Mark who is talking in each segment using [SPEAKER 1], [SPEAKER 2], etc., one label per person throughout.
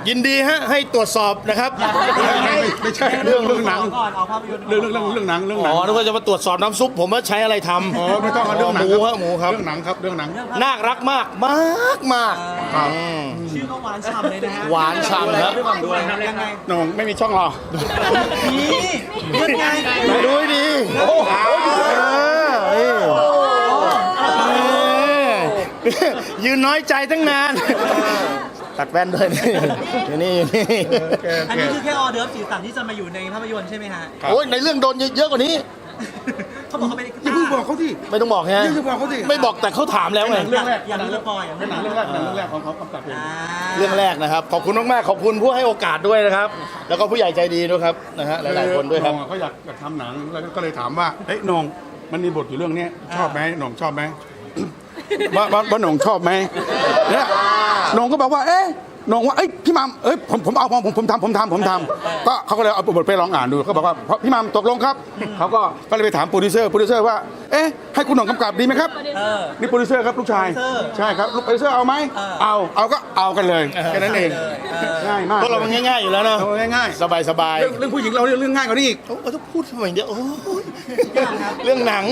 [SPEAKER 1] ยินดีฮะให้ตรวจสอบนะครับ
[SPEAKER 2] ไม่ใช่เรื่องหนัง
[SPEAKER 3] ก่อนออกภาพยนตร์
[SPEAKER 2] เรื่องหนัง
[SPEAKER 1] อ๋อนึกว่าจะมาตรวจสอบน้ำซุปผมว่าใช้อะไรทำ
[SPEAKER 2] อ๋อไม่ต้องเรื่องหนัง
[SPEAKER 1] หมูครับหมูครับ
[SPEAKER 2] เรื่องหนังครับเรื่องหนัง
[SPEAKER 1] น่ารักมากมาก
[SPEAKER 2] ครับ
[SPEAKER 3] ชื่อก็หวานฉ่ำเลยนะฮะ
[SPEAKER 1] หวานฉ่ำครับ
[SPEAKER 3] ยังไง
[SPEAKER 2] น้องไม่มีช่องหรอ
[SPEAKER 3] นี่ยังไง
[SPEAKER 1] ไปดูให้ดียืนน้อยใจตั้งนาน ตัดแว่นด้วยนี่นี่
[SPEAKER 3] อันนี้คือแค่ออเดิร์ฟสีสันที่จะมาอยู่ในภาพยนตร์ใช่ไหมฮะ
[SPEAKER 1] โอ้ยในเรื่องโดนเยอะกว่านี้
[SPEAKER 3] เขาบอกเขาเป็น
[SPEAKER 2] อย่าเพิ่งบอกเขาที่
[SPEAKER 1] ไม่ต้องบอกฮะ
[SPEAKER 2] อย่าบอกเขาที่
[SPEAKER 1] ไม่บอกแต่เขาถามแล้วไง
[SPEAKER 2] เรื่องแรก
[SPEAKER 3] อย่างนี้สปอยอย่าง
[SPEAKER 2] เป็นหนังเรื่องแรกของเขากำกับเอง
[SPEAKER 1] เรื่องแรกนะครับขอบคุณมากๆขอบคุณผู้ให้โอกาสด้วยนะครับ แล้วก็ผู้ใหญ่ใจดีด้วยครับนะฮะหลายๆคนด้วยครับ
[SPEAKER 2] องเขาอยากทำหนังแล้วก็เลยถามว่าเฮ้ยน้องมันมีบทอยู่เรื่องนี้ชอบไหมน้องชอบไหมว่าน้องชอบไหมเนี่ยน้องก็บอกว่าเอ๊ะน้องว่าเอ้ยพี่มัมเอ้ยผมเอาผมทำก็เขาก็เลยเอาบทไปลองอ่านดูเขาบอกว่าพี่มัมตกลงครับเขาก็เลยไปถามโปรดิวเซอร์ว่าเอ๊ะให้คุณหน่องกำกับดีไหมครับนี่โปรดิวเซอร์ครับลูกชายใช่ครับลูกโปรดิวเซอร์เอาไหมเอาก็เอากันเลยแค่นั้นเองง่ายมาก
[SPEAKER 1] พวกเรามันง่ายๆอยู่แล้วเนาะ
[SPEAKER 2] ง่าย
[SPEAKER 1] สบาย
[SPEAKER 2] ๆเรื่องผู้หญิงเราเรื่องง่ายกว่านี้อีก
[SPEAKER 1] ๆโอ้ต้องพูดทำไมเดียวโอ้ยเรื่องหนัง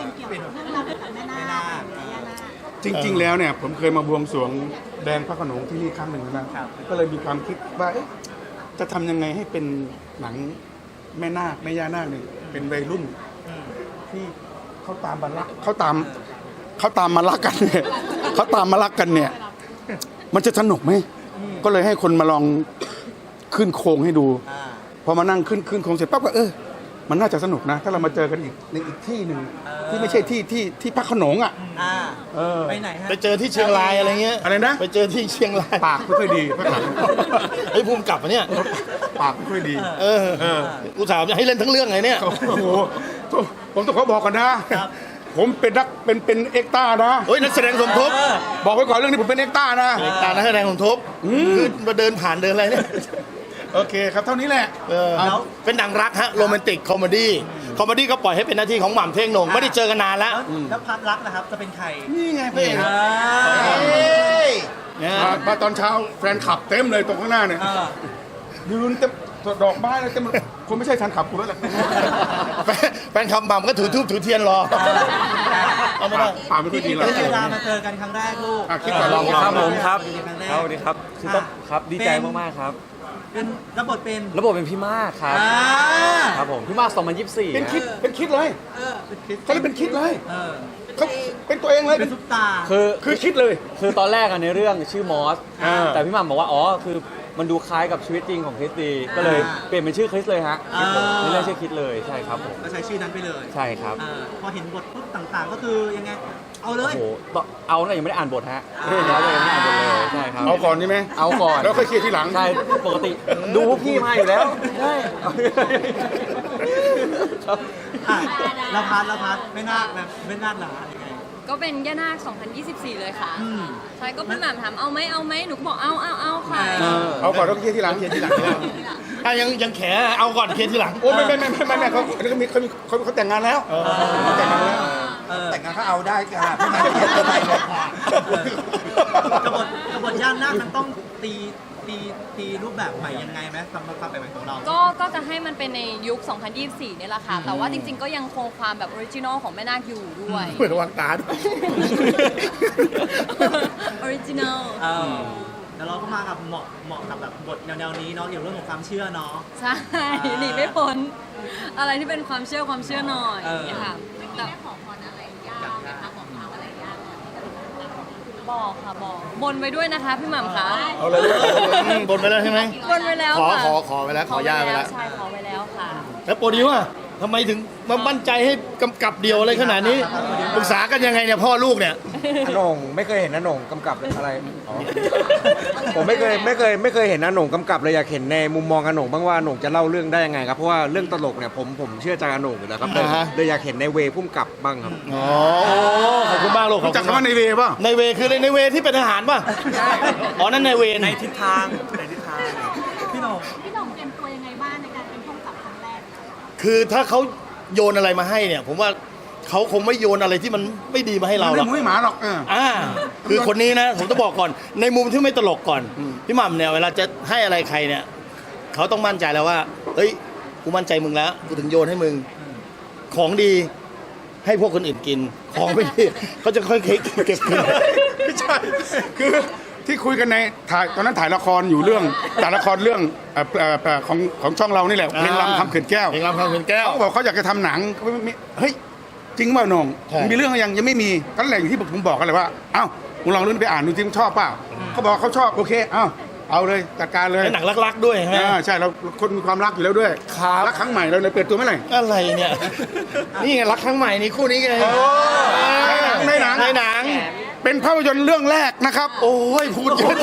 [SPEAKER 2] จริง ๆ แล้วเนี่ยผมเคยมาบวงสรวงแดงพระโขนงที่นี่ครั้งหนึ่งนะก็เลยมีความคิดว่าเอ๊ะจะทำยังไงให้เป็นหนังแม่นาคแม่ย่านาคเนี่ยเป็นวัยรุ่นที่เขาตามมารักเขาตามมารักกันเนี่ยเขาตามมารักกันเนี่ย มันจะสนุกไหมก็เลยให้คนมาลองขึ้นโครงให้ดูพอมานั่งขึ้นโครงเสร็จปั๊บก็มันน่าจะสนุกนะ ถ้าเรามาเจอกันอีกในอีกที่หนึ่งที่ไม่ใช่ที่พระโขนงอ่ะ
[SPEAKER 3] ไปไหนฮะ
[SPEAKER 1] ไปเจอที่เชียงรายอะไรเงี้ย
[SPEAKER 2] อะไรนะ
[SPEAKER 1] ไปเจอที่เชียงราย
[SPEAKER 2] ปากไม่ค่อยดีพระโขนง
[SPEAKER 1] ไอ้ภูมิกลับมาเนี่ย
[SPEAKER 2] ปากไม่ค่อยดี
[SPEAKER 1] อุตส่าห์จะให้เล่นทั้งเรื่องไงเนี่ย
[SPEAKER 2] โอ้โหผมต้องขอบอกก่อนนะ ผมเป็นเอ็กต้านะ
[SPEAKER 1] เฮ้ยนักแสดงสมทบ
[SPEAKER 2] บอกไว้ก่อนเรื่องนี้ผมเป็นเอ็กต้านะ
[SPEAKER 1] ตานักแสดงสมทบคือมาเดินผ่านเดินอะไรเนี่ย
[SPEAKER 2] โอเคครับเท่านี้แหละ
[SPEAKER 1] เป็นหนังรักฮะโรแมนติกคอมเมดี้ก็ปล่อยให้เป็นหน้าที่ของหม่ำเท่งโหน่งไม่ได้เจอกันนานแล้ว
[SPEAKER 3] แล้วพัดรักนะครับจะเป็นใคร
[SPEAKER 2] นี่ไงพี่
[SPEAKER 1] เนี่ย
[SPEAKER 2] มาตอนเช้าแฟนขับเต็มเลยตรงข้างหน้าเนี่ยยืนเต็มดอกไม้เลยเต็มคนไม่ใช่แฟนขับกูแล้วแหละ
[SPEAKER 1] แฟนคลับหม่ำก็ถือทูบถือเทียนรอเอาไม่ได้
[SPEAKER 2] ปากไม่ค่อยดีเลย
[SPEAKER 3] เวลามาเจอกันครั้งแรกลูก
[SPEAKER 2] คิดก่อนลอง
[SPEAKER 4] ครับผมครับ
[SPEAKER 3] ครั้งแรก
[SPEAKER 4] สวัสดีครับคือต้องครับดีใจมากๆครับ
[SPEAKER 3] เป็นรับบทเป็น
[SPEAKER 4] ระบบเป็นพี่มากครับครับผมพี่มาก2024
[SPEAKER 2] เป็นคิดเลยเขาเลยเป็นคิดเลย
[SPEAKER 3] เออ
[SPEAKER 2] เขาเป็นตัวเองเลย
[SPEAKER 3] เป็นซุปตา
[SPEAKER 2] คือคิดเลย
[SPEAKER 4] คือตอนแรกอะในเรื่องชื่อมอส
[SPEAKER 2] อ่า
[SPEAKER 4] แต่พี่หม่ำบอกว่าอ๋อคือมันดูคล้ายกับชีวิตจริงของคริสตีก็เลยเปลี่ยนเป็นชื่อคริสเลยฮะในเรื่องชื่อคริสเลยใช่ครับผม
[SPEAKER 3] ก็ใช้ชื่อนั้นไปเลย
[SPEAKER 4] ใช่ครับ
[SPEAKER 3] พอเห็นบทปุ๊บต่างๆ ก็คือยังไง เอาเล
[SPEAKER 4] โอ้
[SPEAKER 3] ย
[SPEAKER 4] โหเอาแต่ยังไม่ได้อ่านบทฮะเรื่องแล้วยังไม่ได้อ่านบทเลยใช่ครับ
[SPEAKER 2] เอาก่อนใช่ไหม
[SPEAKER 4] เอาก่อน
[SPEAKER 2] แล้วค่อยเคลียร์ทีหลัง
[SPEAKER 4] ใช่ปกติดูพวกพี่มาอยู่แล้วใช่ครับ
[SPEAKER 3] ละพัดไม่น่าแบบไม่น่าหนายังไง
[SPEAKER 5] ก็เป็นย่านาค 2024 เลยค่ะใช่ก็พี่หม่ำถามเอาไหมหนูก็บอกเอาค่ะ
[SPEAKER 2] เอาก่อนแล้วก็เคลียร์ทีหลัง
[SPEAKER 1] ถ้ายังแขเอาก่อนเคลียร์ทีหลัง
[SPEAKER 2] โอ้ไม่เขาแต่งงานแล้วแต่งงานแล้ว
[SPEAKER 6] แต่งงานเขาเอาได้ค่ะพี่มาเขียนอะไรเลย
[SPEAKER 3] กบฏย่านนาคมันต้องตีรูปแบบใหม่ยังไงไหมสำหรับความแบบใหม่ของเรา
[SPEAKER 5] ก็จะให้มันเป็นในยุค 2024 เนี่ยแหละค่ะ แต่ว่าจริงๆ ก็ยังคงความแบบออริจินอลของแม่นาคอยู่ด้วย
[SPEAKER 1] เหมือนวางตาด้วย
[SPEAKER 5] ออริจินอล
[SPEAKER 3] แล้วเราก็มากับเหมาะกับแบบบทแนวนี้เนาะเกี่ยวกับเรื่องของความเชื่อเนาะ
[SPEAKER 5] ใช่หนีไม่พ้นอะไรที่เป็นความเชื่อหน่อยค่ะแต่บอกค่ะบอกบนไว้ด้วยนะคะพี่หม่ำคะ
[SPEAKER 1] เอาเลยบนไปแล้วใช่ไหม
[SPEAKER 5] บนไว้แล้ว
[SPEAKER 1] ขอ
[SPEAKER 5] ค่ะ
[SPEAKER 1] ขอไปแล้วขอย่าไปแล้ว
[SPEAKER 5] ใช่ขอไว้แล้วค่ะ
[SPEAKER 1] แล้วโปรดิวอะทำไมถึงมามั่นใจให้กำกับเดียวอะไรขนาดนี้ปรึกษากันยังไงเนี่ยพ่อลูกเนี่ย
[SPEAKER 6] อาหน่งไม่เคยเห็นอาหน่งกำกับอะไรอ๋อผมไม่เคยเห็นอาหน่งกำกับเลยอยากเห็นในมุมมองอาหน่งบ้างว่าอาหน่งจะเล่าเรื่องได้ยังไงครับเพราะว่าเรื่องตลกเนี่ยผมเชื่อใจอาหน่งอยู่แล้วครับเลยอยากเห็นในเวพุ่มกับบ้างครับ
[SPEAKER 1] อ๋อขอบคุณมากลูกขอบ
[SPEAKER 2] จาก
[SPEAKER 1] คุณ
[SPEAKER 2] คำว่าในเวป่ะ
[SPEAKER 1] ในเวคือในเวที่เป็นทหารป่ะอ๋อนั่นในเว
[SPEAKER 3] ในทิศทางพี่หนุ่ม
[SPEAKER 7] พี่หน่องเตรียมตัวยังไงบ้างในการเป็นผู้กำกับครั้งแรก
[SPEAKER 1] คือถ้าเขาโยนอะไรมาให้เนี่ยผมว่าเขาคงไม่โยนอะไรที่มันไม่ดีมาให้เราหร
[SPEAKER 2] ไม่
[SPEAKER 1] อก
[SPEAKER 2] มุ้ยหมาหรอก
[SPEAKER 1] คือคนนี้นะผมต้องบอกก่อน ในมุมที่ไม่ตลกก่อนพี่หม่ำเนี่ยเวลาจะให้อะไรใครเนี่ยเขาต้องมั่นใจแล้วว่าเฮ้ยกูมั่นใจมึงแล้วกูถึงโยนให้มึงของดีให้พวกคนอื่นกินของไม่ดีเขาจะค่อยๆเก็บกิน
[SPEAKER 2] ไม่ใช่คือที่คุยกันในถ่ายตอนนั้นถ่ายละครอยู่เรื่องถ่ายละครเรื่องของช่องเรานี่แหละเพลงรำคำเขื่อนแก้ว
[SPEAKER 1] เพลงรำคำเขื่อนแก้ว
[SPEAKER 2] เขาบอกเขาอยากจะทำหนังเขาไม่มีเฮ้ยจริงเปล่าหนง
[SPEAKER 1] ใช่
[SPEAKER 2] มีเรื่องยังไม่มีก็แหล่งที่ผมบอกกันเลยว่าเอ้ามึงลองรุ่นไปอ่านดูที่มึงชอบเปล่าเขาบอกเขาชอบโอเคเอาเลยจัดการเลย
[SPEAKER 1] เป็นหนังรักๆด้วยใช่ไหม
[SPEAKER 2] ใช่เราคนมีความรักอยู่แล้วด้วย
[SPEAKER 1] ครับ
[SPEAKER 2] รักครั้งใหม่เราเลยเปิดตัวเมื่อไหร่
[SPEAKER 1] อะไรเนี่ย นี่ไงรักครั้งใหม่นี่คู่นี้ไง
[SPEAKER 2] ในหนัง
[SPEAKER 1] ในหนัง
[SPEAKER 2] เป็นภาพยนตร์เรื่องแรกนะครับ
[SPEAKER 1] โอ้ยพูดเยอะ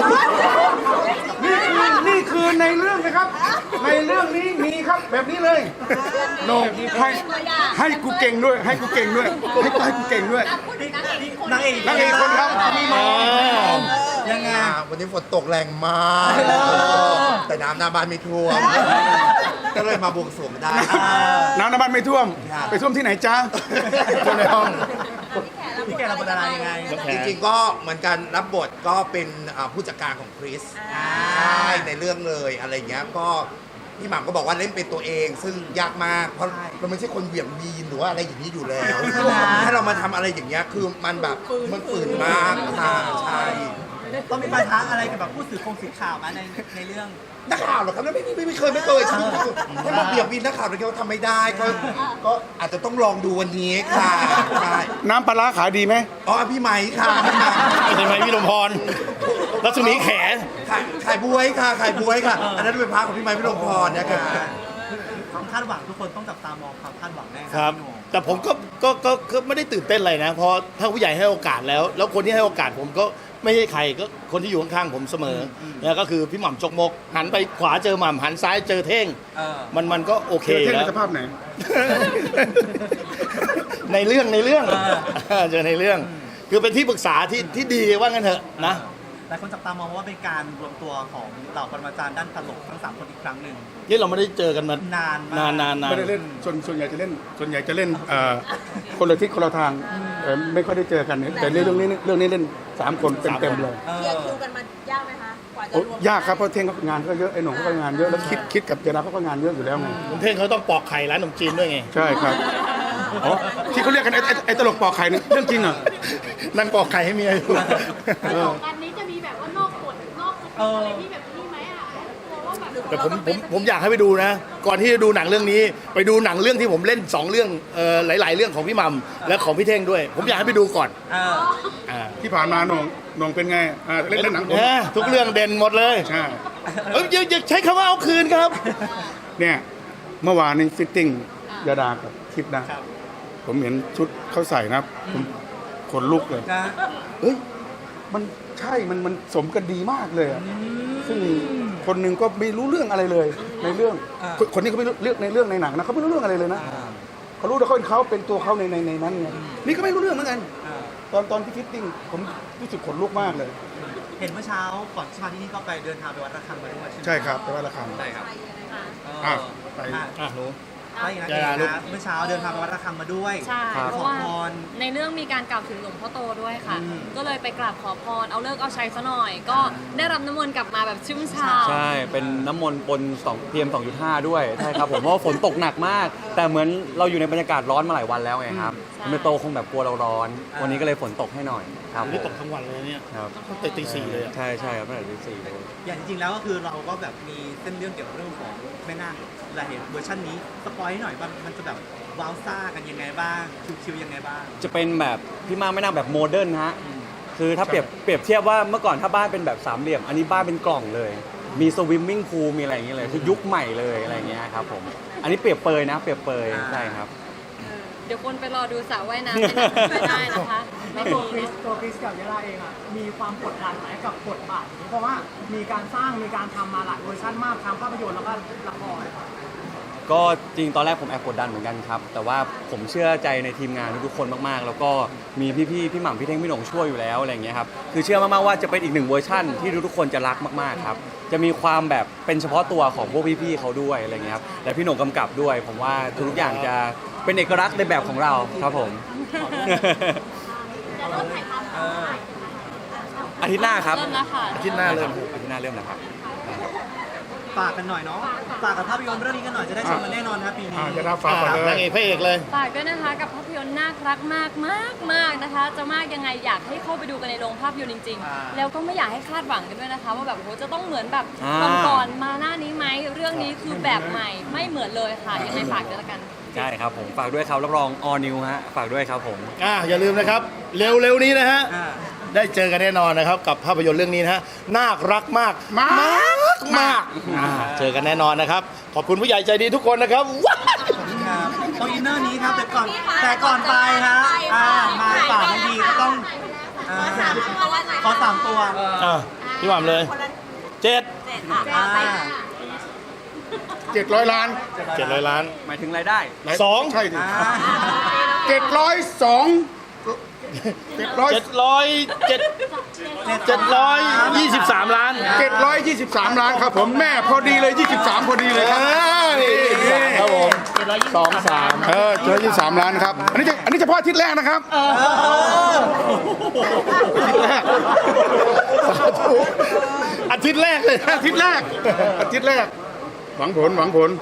[SPEAKER 2] นี่คือในเรื่องนะครับ ในเรื่องนี้มีครับแบบนี้เลยโนให้กูเก่งด้วย ให้กูเก่งด้วยให้กูเก่งด้วย
[SPEAKER 3] นางเอก
[SPEAKER 2] นางเอกคนครับมีมอง
[SPEAKER 3] ยังไง
[SPEAKER 7] วันนี้ฝนตกแรงมากแต่น้ำหน้าบ้านไม่ท่วม ก็เลยมาบวงสรวงได้
[SPEAKER 2] น้ำในบ้านไม่ท่วม ไปท่วมที่ไหนจ้าท่วมในห้อง
[SPEAKER 3] พี่แกรับบทอะไรยังไง
[SPEAKER 7] จริงๆก็เหมือนกันรับบทก็เป็นผู้จัดการของคริสใช่ในเรื่องเลยอะไรเงี้ยก็พี่หม่ำก็บอกว่าเล่นเป็นตัวเอง ซึ่งยากมากเพราะเราไม่ใช่คนเหวี่ยงวีนหรือว่าอะไรอย่างนี้อยู่แล้วถ้าเรามาทำอะไรอย่างเงี้ยคือมันแบบมันฝืนมากค่ะใช่
[SPEAKER 3] ต้องมีปัญหาอะไรกับแบบผู้สื่อข่าวมาในเรื่อง
[SPEAKER 7] นักข่าวเหรอครับไม่เคยชีวิตถ้ามาเบี่ยงวีนนักข่าวเราทำไม่ได้ก็อาจจะต้องลองดูวันนี้ค่ะใช่
[SPEAKER 2] น้ำปลาร้าขายดีไหม
[SPEAKER 7] อ๋อพี่ไหมค่ะ
[SPEAKER 1] ใช่ไหมพี่ลมพรรัศมีแข
[SPEAKER 7] ขายบวยค่ะขายบวยค่ะ อันนั้นเป็นพระของพี่ไม้พี่ลงพรนะคะ
[SPEAKER 3] ความคาดหวังทุกคนต้องจับตามองความคาดหวังแน่
[SPEAKER 1] ครับ
[SPEAKER 3] พี่โหน่ง
[SPEAKER 1] แต่ผมก็ไม่ได้ตื่นเต้นอะไรนะเพราะถ้าผู้ใหญ่ให้โอกาสแล้วคนที่ให้โอกาสผมก็ไม่ใช่ใครก็คนที่อยู่ข้างๆผมเสมอเนี่ยก็คือพี่หม่ำจกมก หันไปขวาเจอหม่ำหันซ้ายเจอเท่ง มันก็โอเค
[SPEAKER 2] เท่ง
[SPEAKER 1] แล้
[SPEAKER 2] ใน
[SPEAKER 1] ว
[SPEAKER 2] สภาพไหน
[SPEAKER 1] ในเรื่องเจอในเรื่อง คือเป็นที่ปรึกษาที่ดีว่างั้นเถอะนะ
[SPEAKER 3] หลายคนจับตามองว่าเป็นการรวมตัวของเหล่าปรมาจารย์ด้านตลกทั้ง3คนอีกครั้งหนึ่ง
[SPEAKER 1] นี่เราไม่ได้เจอกันมาน
[SPEAKER 3] านมาก
[SPEAKER 1] นาน
[SPEAKER 2] ไม่ได้เล่นส่วนใหญ่จะเล่นคนละทิศคนละทางไม่ค่อยได้เจอกันเนี่ยแต่เรื่องนี้เล่น3 คนเต็มๆเลย
[SPEAKER 3] เอ
[SPEAKER 8] เคลีย
[SPEAKER 3] อ
[SPEAKER 8] ร์คิวกันมายากไหมคะ กว่าจะ
[SPEAKER 2] โอ้
[SPEAKER 8] รวม
[SPEAKER 2] ยากครับเพราะเท่งเขางานก็เยอะไอ้หนุ่มเขาก็งานเยอะแล้วคิดกับเจดาเขาก็งานเยอะอยู่แล้วไง
[SPEAKER 1] คุณเท่งเขาต้องปอกไข่ร้านขนมจีนด้วยไง
[SPEAKER 2] ใช่ครับอ๋อที่เขาเรียกกันไอ้ตลกปอกไข่เนี่ยเรื่องจริงเหรอ
[SPEAKER 1] นั่งปอกไข่ให้เมียอยู่
[SPEAKER 9] อันนี้จะมีแบบว่านอกกฎนอกสคริปต์อะไรที่แบบนี้ไหมอ่ะกลัวว่าแบบ
[SPEAKER 1] แต่ผมอยากให้ไปดูนะ ก่อนที่จะดูหนังเรื่องนี้ ไปดูหนังเรื่องที่ผมเล่น2เรื่องหลาย ๆ เรื่องของพี่หม่ำและของพี่เท่งด้วย ผมอยากให้ไปดูก่อน
[SPEAKER 3] เออ
[SPEAKER 1] อ่า
[SPEAKER 2] ที่ผ่านมาหน่งเป็นไงเล่นหนังผม
[SPEAKER 1] ทุกเรื่องเด่นหมดเลย
[SPEAKER 2] ใช่
[SPEAKER 1] อย่าใช้คำว่าเอาคืนครับ
[SPEAKER 2] เนี่ยเมื่อวานนี้ฟิตติ้งยาดากับทิพย์นะ ผมเห็นชุดเขาใส่นะผมขนลุกเลย
[SPEAKER 3] นะ
[SPEAKER 2] เฮ้ยมันใช่มันสมกันดีมากเลยอะซึ่งคนหนึ่งก็ไม่รู้เรื่องอะไรเลย ในเรื่องคนนี้เขาไม่รู้เรื่องในเรื่องในหนังนะเขาไม่รู้เรื่องอะไรเลยนะเขารู้แต่เขาเป็นตัวเขาในนั้นไงนี่ก็ไม่รู้เรื่องเหมือนกันตอนที่ฟิตติ้งผมรู้สึกขนลุกมากเลย
[SPEAKER 3] เห็นเมื่อเช้าก่อนที่มาที่นี่ก็ไปเดินทางไปวัดระฆังมาด้วยใช่ไหม
[SPEAKER 2] ใช่ครับแต่ว่าราคา
[SPEAKER 3] ใช่ครับ
[SPEAKER 2] อ่ะไป
[SPEAKER 1] อ่ะหนู
[SPEAKER 3] ไปอย่างนั้นเองนะเมื่อเช้าเดินทางไปวัดระฆังมาด้วย
[SPEAKER 5] ใช่
[SPEAKER 3] ไป
[SPEAKER 5] เพ
[SPEAKER 3] ข
[SPEAKER 5] ราะ
[SPEAKER 3] อ
[SPEAKER 5] ว่า
[SPEAKER 3] พร
[SPEAKER 5] ในเรื่องมีการกล่าวถึงหลวงพ่อโตด้วยค่ะ
[SPEAKER 3] อืม
[SPEAKER 5] ก็เลยไปกราบขอพร เอาเลิกษ์เอาชัยซะหน่อย ก็ได้รับน้ำมนต์กลับมาแบบชุ่มฉ่ำ
[SPEAKER 4] ใช่ เป็นน้ำมนต์ปน2 PM 2.5 ด้วย ใช่ครับผม เพราะว่าฝนตกหนักมาก แต่เหมือนเราอยู่ในบรรยากาศร้อนมาหลายวันแล้วไงครับ
[SPEAKER 5] ใช่
[SPEAKER 4] มันโตคงแบบกลัวเราร้อน วันนี้ก็เลยฝนตกให้หน่อยครับผ
[SPEAKER 1] นี่
[SPEAKER 4] ม
[SPEAKER 1] ตกทั้งวันเลยเนี่ย
[SPEAKER 4] ครับ
[SPEAKER 1] ตั้งแต่ตี 4เลยอะ
[SPEAKER 4] ใช่ใช่ครับตั้งแต่ตี 4เลย
[SPEAKER 3] อย่างจริงๆแล้วก็คือเราก็แบบมีเส้นเรื่องเกี่ยวกับเรื่องของแม่นาคเราเห็นเวอร์ชันนี้สปอยให้หน่อยว่ามันจะแบบว้าวซ่ากันยังไงบ้างชิวๆยังไงบ้าง
[SPEAKER 4] จะเป็นแบบพี่มาไม่นั่งแบบโมเดิร์นฮะ คือถ้าเปรียบเทียบว่าเมื่อก่อนถ้าบ้านเป็นแบบ3เหลี่ยม อันนี้บ้านเป็นกล่องเลย มีสวิมมิ่งพูลมีอะไรอย่างเงี้ยเลย คือยุคใหม่เลยอะไรอย่างเงี้ยครับผม อันนี้เปรียบเปยนะเปรียบเปยใช่ครับ
[SPEAKER 5] เดี๋ยวคนไปรอดูสระว่ายน้ำในหนังไม่ได้นะคะ ไม่
[SPEAKER 10] ตัว
[SPEAKER 5] มี
[SPEAKER 10] คริสกับยาลาเองอ่ะมีความกดดันไหมกับบทบาทนี้เพราะว่ามีการสร้างมีการทำมาหลายเวอร์ชันมากทั้งภาพยนตร์แล้วก็ละคร
[SPEAKER 4] ก็จริงตอนแรกผมแอบกดดันเหมือนกันครับ แต่ว่าผมเชื่อใจในทีมงานทุกๆคนมากๆ แล้วก็มีพี่หม่ำพี่เท่งพี่หน่งช่วยอยู่แล้วอะไรอย่างเงี้ยครับคือเชื่อมากๆว่าจะเป็นอีก1เวอร์ชั่นที่ทุกๆคนจะรักมากๆครับจะมีความแบบเป็นเฉพาะตัวของพวกพี่ๆเขาด้วยอะไรเงี้ยครับและพี่หน่งกำกับด้วย ผมว่าทุกอย่างจะเป็นเอกลักษณ์ในแบบของเราครับผม
[SPEAKER 9] จะเริ่มถ่ายทำเมื่อไหร่
[SPEAKER 4] อาทิตย์หน้าครับ
[SPEAKER 5] เริ่มแล้วค่ะ
[SPEAKER 1] อาทิตย์หน้าเริ่ม
[SPEAKER 4] อาทิตย์หน้าเริ่มแล้วครับ
[SPEAKER 3] ฝากกันหน่อยเนาะฝากกับภาพยนตร์เรื่องนี้กันหน่อยจะได้ชมกันแน่นอนครับปีนี้
[SPEAKER 2] จะได้ฝากก่อนเล
[SPEAKER 1] นาย งเอกพระเอกเลย
[SPEAKER 5] ฝากด้วยนะคะกับภาพยนตร์น่ารักมากมากมากนะคะ จะมากยังไงอยากให้เข้าไปดูกันในโรงภาพยนตร์จริง ๆ แล้วก็ไม่อยากให้คาดหวังกันด้วยนะคะ ว่าแบบโหจะต้องเหมือนแบบ ก่อนๆมาหน้านี้ไหมเรื่องนี้คือแบบใหม่ไม่เหมือนเลยค่ะยังไงฝากด้วยละกัน
[SPEAKER 4] ใช่ครับผมฝากด้วยครับรับรอง all new ฮะฝากด้วยครับผม
[SPEAKER 1] อย่าลืมนะครับ เร็วๆนี้นะฮะ
[SPEAKER 3] อ่า
[SPEAKER 1] ได้เจอกันแน่นอนนะครับ กับภาพยนตร์เรื่องนี้นะฮะน่ารักมากมากเจอกันแน่นอนนะครับ ขอบคุณผู้ใหญ่ใจดีทุกคนนะครับว้าว
[SPEAKER 3] ครับต้องอินเนอร์นี้ครับแต่ก่อนไปฮะมาฝากทันทีก็ต้องขอ3 ตัว
[SPEAKER 1] พี่หม่ำเลยเจ็ด
[SPEAKER 3] อ่า
[SPEAKER 2] 700 ล้าน
[SPEAKER 1] 700 ล้าน
[SPEAKER 4] หมายถึงรายได้
[SPEAKER 1] สอง
[SPEAKER 2] ใช่ดิ
[SPEAKER 3] อ่า
[SPEAKER 2] 702
[SPEAKER 1] 723 ล้าน
[SPEAKER 2] 723 ล้านครับผมแม่พอดีเลย 23 พอดีเลยครับ
[SPEAKER 1] ครับผม
[SPEAKER 2] 723 ล้านครับ อันนี้เฉพาะอาทิตย์แรกนะครับ
[SPEAKER 1] อาทิตย์แรกเลย
[SPEAKER 2] อาทิตย์แรก หวังผล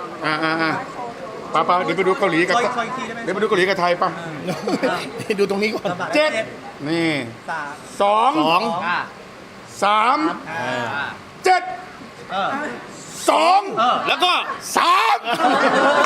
[SPEAKER 2] ป้าเดี๋ยวไปดูเกาหลีกับ
[SPEAKER 3] คอยอีกทีได้ไหม
[SPEAKER 2] เดี๋ยวไปดูเกาหลีกับไทยป่ะ
[SPEAKER 1] ดูตรงนี้ก่อน
[SPEAKER 2] เจ็ด นี่
[SPEAKER 3] 3
[SPEAKER 2] สอง
[SPEAKER 3] อ่า
[SPEAKER 2] 3
[SPEAKER 3] อ่า
[SPEAKER 2] 7
[SPEAKER 3] เออ
[SPEAKER 2] 2
[SPEAKER 1] แล้วก็
[SPEAKER 2] 3